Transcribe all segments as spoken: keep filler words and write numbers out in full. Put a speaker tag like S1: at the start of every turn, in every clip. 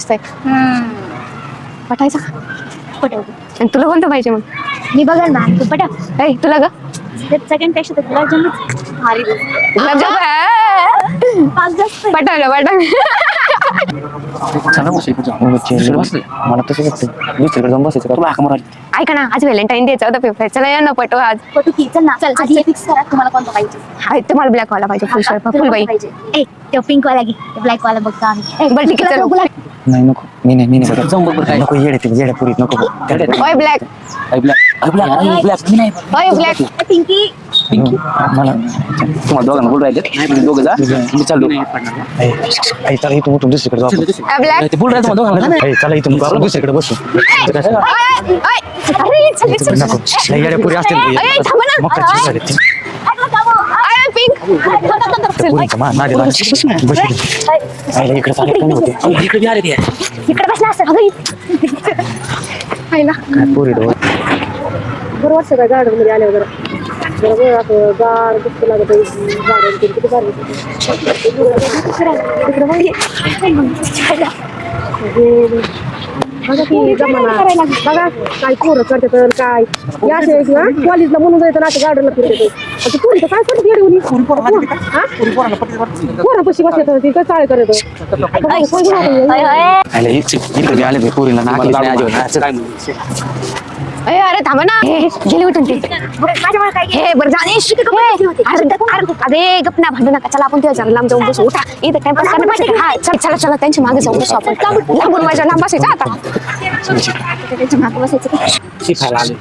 S1: मस्त आहे. पटायचं का?
S2: पटव.
S1: आणि तुला कोणतं पाहिजे मग?
S2: मी बघाल ना तू पटव.
S1: ऐ तुला ग
S2: सेकंड पेक्षा तर गुलाबजामुन भारी.
S1: गुलाबजाम
S2: पाच जास्त
S1: पटावलं पटावलं.
S3: मला तसं वाटतं दुसरीकडे जाऊन बसायचं तुला हाक मारायची.
S1: ऐका ना आज व्हॅलेंटाईन डेचा होता पेपर. चला या ना पटो आज.
S2: पटू की चल ना. चल आधी फिक्स करा तुम्हाला कोणता पाहिजे.
S1: हा तुम्हाला ब्लॅक वाला पाहिजे फुल शर्ट फुल बाई.
S2: ए तो पिंक वाला घे ब्लॅक वाला बघतो आम्ही.
S1: बरं ठीक आहे चल.
S3: नाही नको मी नाही मी नाही जाऊन बघ नको येडे ते येड्या पुरीत नको
S1: ओय ब्लॅक
S3: ब्लॅक ब्लॅक ब्लॅक मी नाही
S1: ओय ब्लॅक
S2: पिंकी
S3: मला तुम्हाला दोघांना बोल राहिले नाही दोघं जा मी चाललो ऐ चला इथून उठून दुसरीकडे जाऊ.
S1: ब्लॅक
S3: ते बोल राहिले तुम्हाला दोघांना ऐ चला इथून आपण दुसरीकडे बसू
S1: अरे चल चल
S3: नको लय येड्या पुरी असतील
S1: अरे थांब ना.
S3: मग काय झाले ते
S1: अरे पिंक
S3: पुरीचा मा नादी बसली आईला इकडे चालत नाही होते इकडे आले ते
S2: इकडे बसला असं
S1: आईला
S3: काय पुरी डोळ
S4: बरोबर सगळ्या गार्डन मध्ये आले वगैरे बरोबर असं गार दुःख लागत गार्डन किती गार बघा की जमाना बघा काय पोरं करतात काय या असे किंवा कॉलेजला म्हणून जायचं ना असं गार्डनला फिरत पोरी काय करतात येडे पोरा पशी बसले ती काय चाळे करत
S3: आईला इकडे आले ते पुरीला नाकलीच नाही अजिबात
S1: अरे अरे थांबा ना. गेली उठून ते हे बरं जाणेश अरे गप ना भांडू नका. चला आपण तेव्हा जरा लांब जाऊन बसू. उठा इथं टाइमपास करण्यापेक्षा हा चल चला चला त्यांच्या मागे जाऊन बसू आपण. लांबून माझ्या लांब बसायचं आता त्यांच्या मागे बसायचं.
S3: शिकायला आले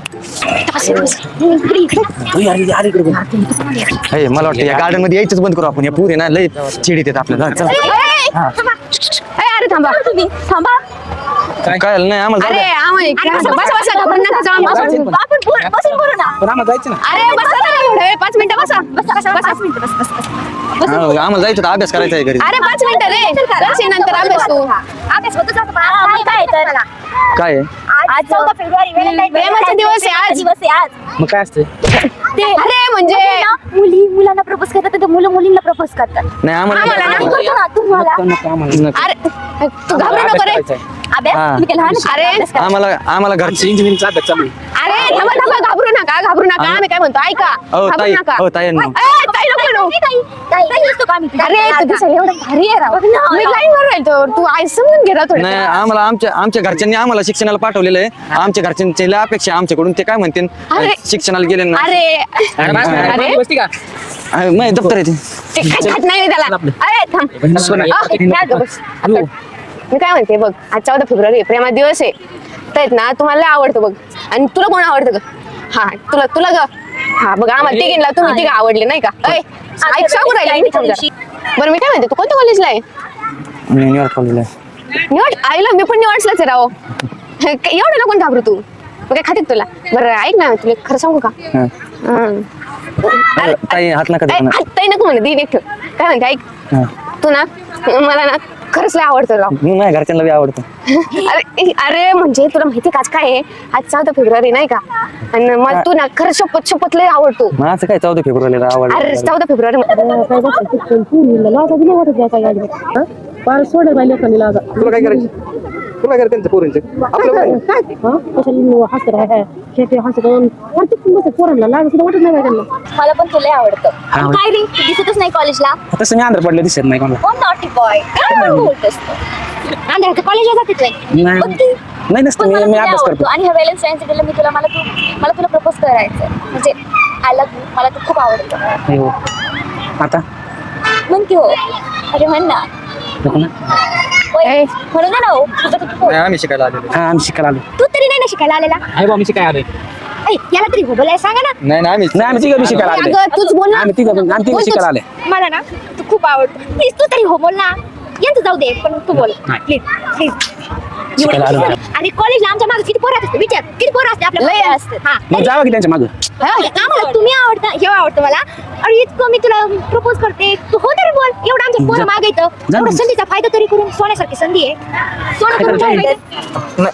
S3: मला वाटतं या गार्डन मध्ये यायचंच बंद करू आपण. या पुरी ना लय चिडीत येत आपल्याला.
S1: अरे थांबा
S2: तुम्ही थांबा.
S3: काय नाही आम्हाला
S1: अरे आम्हाला बसा बसा घाबरून नका जाऊ.
S2: आपण बोल- बसून बोलू ना.
S3: पण आम्हाला जायचं ना
S1: अरे बसा ना एवढं वेळ. पाच मिनिटं बसा बसा बसा
S2: पाच मिनिटं बस बस बस
S3: हा, आम्हाला जायचं होतं, अभ्यास करायचा आहे घरी.
S1: अरे पाच मिनिटं रे करशील नंतर अभ्यास तू.
S2: अभ्यास होतच राहतो. आज काय तर
S3: काय आहे
S2: आज चौदा फेब्रुवारी व्हॅलेंटाईन डे.
S1: प्रेमाचा दिवस आहे आज.
S2: दिवस आहे आज.
S3: मग काय असते
S2: ते
S1: अरे म्हणजे
S2: ना, मुली मुलांना प्रपोज करतात तर मुलं मुलींना प्रपोज करतात.
S3: नाही
S1: आम्हाला
S3: आम्हाला
S1: ना.
S2: आम्ही करतो ना तुम्हाला.
S1: अरे तू घाबरू नको रे.
S2: अभ्यास
S3: हा.
S2: तुम्ही काय लहान आहे?
S1: अरे
S2: अभ्यास करा.
S3: आम्हाला आम्हाला घरची इंजिनिअरिंगचा अभ्यास चालू आहे.
S1: अरे थांबा थांबा घाबरू नका घाबरू नका. आम्ही काय म्हणतो ऐका
S3: हो,
S1: घाबरू
S3: ताई.
S1: नका.
S3: हो, ताईंनो.
S1: ए, ताई नको म्हणू.
S2: ताई, ताई, ताई असतो का आम्ही?
S1: अरे तू दिसायला एवढं भारी आहे राव. मी लाईन वर राहिलो तू आई समजून घे राव थोडं.
S3: नाही आम्हाला आमच्या आमच्या घरच्यांनी आम्हाला शिक्षणाला पाठवलेलं आहे. आमच्या घरच्यांची लय अपेक्षा आहे आमच्याकडून. ते काय म्हणतील
S1: अरे.
S3: शिक्षणाला गेले ना
S1: अरे अरे
S3: नाही दप्तर आहे ते.
S1: ते काय खात नाही मी त्याला. अरे थांब अ, नाही गं, बस. आता मी काय म्हणते बघ आज चौदा फेब्रुवारी प्रेमा दिवस आहे तर ना तुम्हाला लय आवडतं बघ. आणि तुला कोण आवडतं ग? हा तुला तुला ग हा बघ आम्हाला तिघींना तुम्ही तिघ आवडले नाही का? ऐ, ऐक सांगू राहिले मी थांब जरा. बरं मी काय म्हणते तू कोणत्या कॉलेजला आहे?
S3: मी न्यूयॉर्क कॉलेजला आहे.
S1: निवड आईला मी पण निवडलाच आहे राव. एवढं नको घाबरू तू. मग काय खाते तुला? बरं ऐक ना तुला खरं सांगू का?
S3: हा.
S1: हं.
S3: अरे, ताई हात नका
S1: ऐ,
S3: देऊ ना.
S1: हात ताई नको म्हणे दीन एक ठेव. काय म्हणते ऐक
S3: हा.
S1: तू ना मला ना खरंच लय आवडतं राव.
S3: मी माझ्या घरच्यांना बी आवडतं.
S1: अरे अरे म्हणजे तुला माहिती का आज काय आहे? आज चौदा फेब्रुवारी नाही का? आणि मग तू ना खरं शपथ शपथ लय आवडतो.
S3: मग असं काय चौदा फेब्रुवारीला आवडलं
S1: अरे चौदा फेब्रुवारी
S4: काय बघतो पूर्ण लाजा बी नाही वाटत काय गाडी पार सोडे बाई लेखानी लाजा
S3: तुला काय करायचं तुला काय करायचं पोरींचं आपलं
S4: काय हा कशाला हसत राहा खेटे हसत प्रत्येक बस पोरांना लाज सुद्धा वाटत नाही काय त्यांना.
S2: मला पण तुला आवडतं. तू काय रे तू दिसतच नाही कॉलेजला.
S3: तसं मी आंध्र पडलं दिसत नाही कोणाला.
S2: कोण नॉटी बॉय काय बोलतोस तू? आंध्र कॉलेजला जातेच नाही.
S3: नाही
S2: पण तू-
S3: नाही नसतं
S2: पण
S3: मी
S2: मला
S3: मी
S2: तुला
S3: अभ्यास
S2: आवडतो.
S3: करतो.
S2: आणि ह्या व्हॅलेंटाईन्स डेला मी तुला मला तू मला तुला प्रपोज करायचं म्हणजे आय लव्ह यू. मला तू खूप आवडतं.
S3: हो. आता
S2: म्हण की हो. अरे म्हण ना.
S3: नको ना.
S2: होय. म्हणून ना हो तुझं तू बोल.
S3: आम्ही शिकायला आलेलो. हा आम्ही शिकायला आलो.
S2: तू तरी नाही ना शिकायला आलेला.
S3: आहे बा आम्ही शिकायला आलोय.
S2: ऐ, याला तरी हो बोलायला सांगा ना.
S3: नाही नाही आम्ही नाही आम्ही तिघं बी शिकायला आले.
S1: अगं तूच बोल ना.
S3: आम्ही तिघं पण- आम्ही तिघं
S1: बोल तूच.
S3: शिकायला आले.
S2: मला ना तू खूप आवडतो. प्लीज तू तरी हो बोल ना. यांचं जाऊ दे पण तू बोल
S3: नाही.
S2: Please please.
S3: शिकायला आलो.
S2: आणि कॉलेजला आमच्या मागे किती पोरं असतात विचार किती पोरं असते आपल्या
S1: लय
S2: मागे असतात. हा
S3: मग जावा की त्यांच्या मागं.
S2: आम्हाला तुम्ही आवडता हे आवडतं मला. आणि इतकं मी तुला प्रपोज करते तू हो तरी बोल. एवढं आमच्या पोरं
S3: जा-
S2: मागे येतं
S3: जा
S2: एवढं
S3: ना.
S2: संधीचा फायदा तरी करून सोन्यासारखी संधी आहे. सोनं करून ठेवायचं.
S3: नाही.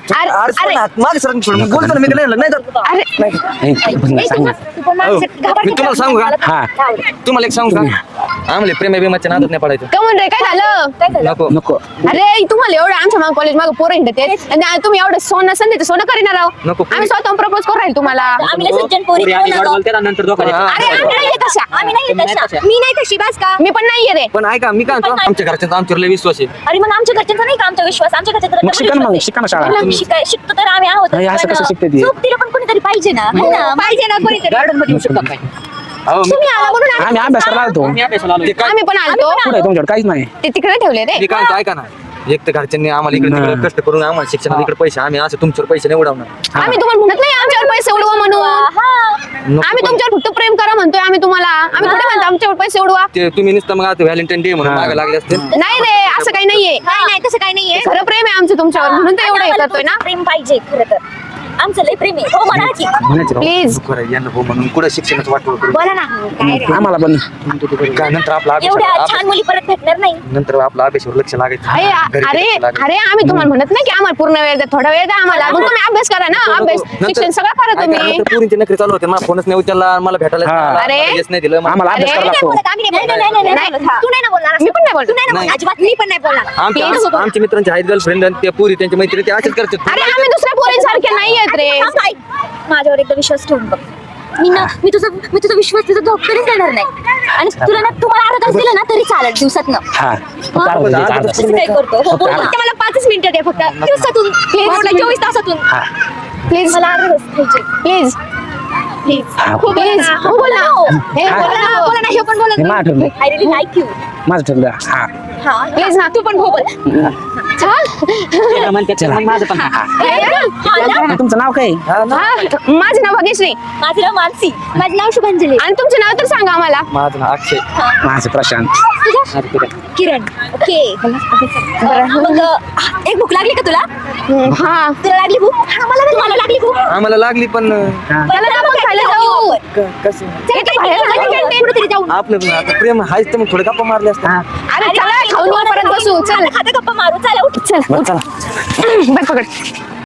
S1: अरे अरे
S3: माझ्या सर बोलतो ना मी नाही नाही तर
S1: अरे
S4: ए,
S3: सांग ना.
S2: तू पण माणसं घाबरते
S3: मी तुम्हाला सांगू का?
S2: मला तर
S3: हा.
S2: नाही आवडत.
S3: तुम्हाला एक सांगू का आम्हाला प्रेम बिमाच्या नादात नाही पडायचं
S1: का म्हणतोय काय झालं
S2: काय झालं?
S3: नको
S4: नको
S1: अरे तुम्हाला एवढं आमच्या माग कॉलेज माग पोरं हिंडत आहेत आणि तुम्ही एवढं सोनं असेल तर सोनं करीणार आहो
S3: नको.
S1: आम्ही स्वतः प्रपोज करू राहील तुम्हाला
S2: आम्ही लय सज्जन पोरी
S5: पोरी आधी
S2: कोण
S5: वाट
S2: आहोत?
S5: बोलतात आणि नंतर धोका देतात.
S3: हा.
S1: अरे आम्ही नाही तशा
S2: आम्ही नाही
S5: तुम्ही नाही
S2: तशा
S5: तशा.
S2: मी नाही तशी बस का
S1: मी पण नाहीये रे
S3: पण ऐका मी काय म्हणतो आमच्या घरच्यांचा आमच्यावर लय विश्वास आहे
S2: अरे मग आमच्या घरच्यांचा नाही का आमचा विश्वास आमच्या घरच्यांचा
S4: मग
S2: डबल
S4: शिका ना मग,
S2: विश्वास
S4: शिका ना
S2: आहे.
S4: शाळा.
S2: तुला शिकाय शिकतो तर आम्ही आहोत
S4: नाही, असं कसं शिकते ती?
S2: सोबतीला पण कोणीतरी पाहिजे ना है ना पाहिजे ना कोणीतरी
S5: गार्डन मध्ये येऊ शकतात काय?
S3: अहो, मी-
S2: तुम्ही आला म्हणून आम्ही-
S4: आम्ही अभ्यासाला आलतो
S5: आम्ही अभ्यासाला आलोय.
S3: ते काय-
S1: आम्ही पण आलतो
S4: पुढे तुमच्याकडे काहीच नाही
S1: ते तिकडे ठेवले रे
S3: मी काय म्हणतो, ऐका ना एक तर घरच्यांनी आम्हाला इकडे तिकडे कष्ट करून आम्हाला शिक्षणात इकडे पैसे आम्ही असं तुमच्यावर पैसे नाही उडवणार
S1: आम्ही तुम्हाला म्हणत नाही आमच्यावर पैसे उडवा म्हणून
S2: हा.
S3: नको
S1: आम्ही
S3: पण.
S1: तुमच्यावर फक्त प्रेम करा म्हणतोय आम्ही तुम्हाला आम्ही थोडे म्हणतो आमच्यावर पैसे उडवा
S3: ते तुम्ही नुसतं मग आता व्हॅलेंटाईन डे म्हणून
S4: हा.
S3: मागे लागले असते
S1: नाही रे असं काही नाहीये
S2: नाही नाही तसं काही नाहीये
S1: खरं प्रेम आहे आमचं तुमच्यावर म्हणून तर एवढं हे
S2: आम्हाला
S1: करतोय ना
S2: तुमचं प्रेम पाहिजे खरं तर आमचं लय प्रेम आहे हो म्हणा की
S4: म्हणायचं राव.
S1: प्लीज
S3: नको रे, यांना हो म्हणून कुठं शिक्षणाचं वाटोळ करू
S2: बोला ना काय रे
S4: आम्हाला पण
S3: काय नंतर आपला
S2: एवढ्या
S3: अभ्यास
S2: छान मुली परत भेटणार नाही
S3: नंतर आपला अभ्यासावर लक्ष लागायचं
S1: अरे
S3: घरी
S1: अरे
S3: लक्ष लागायचं.
S1: अरे आम्ही तुम्हाला म्हणत नाही की आम्हाला पूर्ण वेळ द्या थोडा वेळ द्या आम्हाला मग तुम्ही अभ्यास करा ना अभ्यास
S3: नंतर-
S1: शिक्षण सगळं करा
S3: ऐका,
S1: तुम्ही
S3: नंतर पोरींचे नखरे चालू होते मला फोनच नाही उचलला मला भेटायला
S4: हा.
S1: अरे.
S3: येस नाही दिलं मला-
S4: आम्हाला अभ्यास
S1: अरे,
S4: करायला
S2: नाही
S4: लागतो
S2: बोलत, आम्ही नाही बोलणार. नाही, नाही, नाही, नाही, तू नाही ना बोलणार असं.
S1: मी पण नाही बोलत.
S2: तू नाही ना
S3: नाही.
S2: बोलणार. अजिबात मी पण नाही बोलणार
S3: आमच्या
S1: Please.
S3: आम- आमच्या मित्रांचे आहेत गर्लफ्रेंड आणि ते पोरी त्यांच्या मैत्री ते असेच करतात
S1: अरे आम्ही दुसऱ्या पोरींसारखे नाही आहेत रे
S2: थांब, ऐक. माझ्यावर एकदा विश्वास ठेवून बघ मी ना मी तुझा मी तुझा विश्वास तुझा धोका कधीच देणार नाही आणि तुला ना तुम्हाला अर्धा तास दिला ना तरी चालेल दिवसातनं
S4: हा फक्त अर्धा तास, अर्धा तास.
S2: असं काय करतो हो, बोल फक्त मला पाचच मिनिटं दे फक्त दिवसातून प्लीज चोवीस तासातून
S4: हा
S1: प्लीज
S2: मला अर्धा तास पाहिजे
S1: प्लीज
S2: प्लीज
S4: हा.
S1: प्लीज हो बोल ना हे
S4: हा.
S1: बोल ना
S2: बोला ना हे पण बोला
S4: हे माझं ठरलंय.
S2: आय रिली लाईक यू
S4: माझं ठरलं हा
S2: हा
S1: प्लीज ना तू पण हो बोल चल
S5: त्याला म्हणतात, त्याला म्हण, माझं पण हा.
S1: हे ना.
S2: हा ना?
S4: तुमचं नाव काय
S1: हा, माझं नाव भाग्यश्री
S2: माझं नाव मानसी माझं नाव शुभांजली
S1: आणि तुमचं नाव तर सांगा आम्हाला
S3: माझं नाव अक्षय
S4: माझं प्रशांत
S5: अरे तुला.
S2: किरण ओके मग अह, एक भूक लागली का तुला
S1: हा
S2: तुला लागली भूक मला तुम्हाला लागली भूक
S3: आम्हाला लागली पण
S4: हा.
S1: चला ना आपण खायला जाऊ
S3: क- कसं
S1: इथे बाहेर जाऊ canteen.
S2: कुठेतरी जाऊ
S3: आपलं पण आता प्रेम आहेच तर मग थोडे गप्पा मारले असतात
S1: अरे चला खाऊन येऊ, परत बसू चल
S2: खाता गप्पा मारू चला उठ
S1: चल
S4: बरं, चला
S1: बघ पकड